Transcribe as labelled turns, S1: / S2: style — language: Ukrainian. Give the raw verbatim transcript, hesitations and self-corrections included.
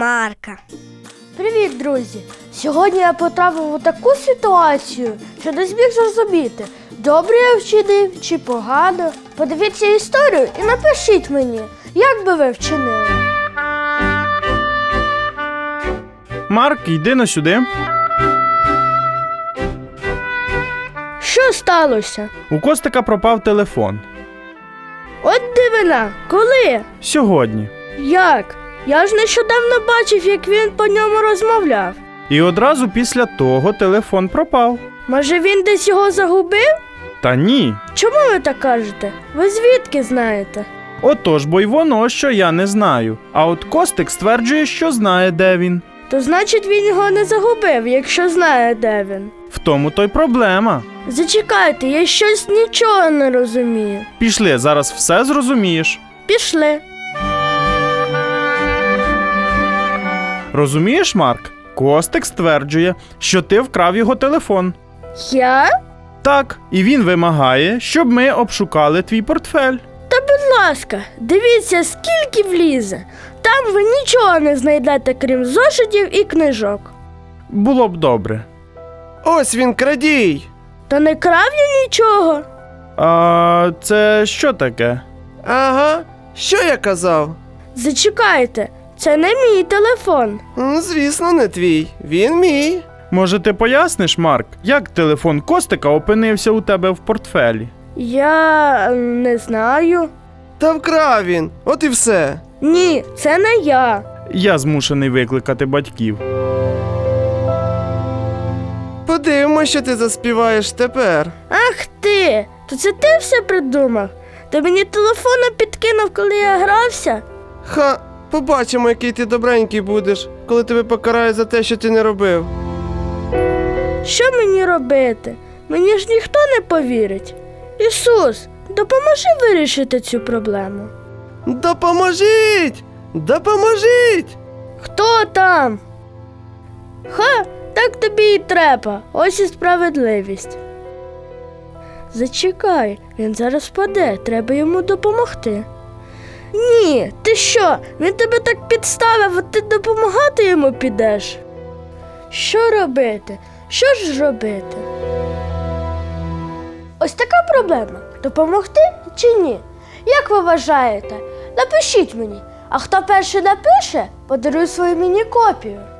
S1: Марка.
S2: Привіт, друзі! Сьогодні я потрапив у таку ситуацію, що не зміг зрозуміти, добре я вчинив чи погано. Подивіться історію і напишіть мені, як би ви вчинили.
S3: Марк, йди на сюди.
S2: Що сталося?
S3: У Костика пропав телефон.
S2: От дивина, коли?
S3: Сьогодні.
S2: Як? Я ж нещодавно бачив, як він по ньому розмовляв.
S3: І одразу після того телефон пропав.
S2: Може, він десь його загубив?
S3: Та ні.
S2: Чому ви так кажете? Ви звідки знаєте?
S3: Отож, бо й воно, що я не знаю. А от Костик стверджує, що знає, де він.
S2: То значить, він його не загубив, якщо знає, де він.
S3: В тому то й проблема.
S2: Зачекайте, я щось нічого не розумію.
S3: Пішли, зараз все зрозумієш.
S2: Пішли.
S3: Розумієш, Марк? Костик стверджує, що ти вкрав його телефон.
S2: Я?
S3: Так, і він вимагає, щоб ми обшукали твій портфель.
S2: Та будь ласка, дивіться, скільки влізе. Там ви нічого не знайдете, крім зошитів і книжок.
S3: Було б добре.
S4: Ось він, крадій!
S2: Та не крав я нічого.
S3: А це що таке?
S4: Ага, що я казав?
S2: Зачекайте, це не мій телефон.
S4: М, Звісно, не твій. Він мій.
S3: Може, ти поясниш, Марк, як телефон Костика опинився у тебе в портфелі?
S2: Я не знаю.
S4: Та вкрав він. От і все.
S2: Ні, це не я.
S3: Я змушений викликати батьків.
S4: Подивимось, що ти заспіваєш тепер.
S2: Ах ти! То це ти все придумав? Ти мені телефона підкинув, коли я грався?
S4: Ха, побачимо, який ти добренький будеш, коли тебе покарають за те, що ти не робив.
S2: Що мені робити? Мені ж ніхто не повірить. Ісус, допоможи вирішити цю проблему.
S4: Допоможіть! Допоможіть!
S2: Хто там? Ха, так тобі і треба. Ось і справедливість. Зачекай, він зараз впаде, треба йому допомогти. Ні, ти що? Він тебе так підставив, а ти допомагати йому підеш? Що робити? Що ж робити? Ось така проблема. Допомогти чи ні? Як ви вважаєте? Напишіть мені. А хто перший напише, подарую свою міні-копію.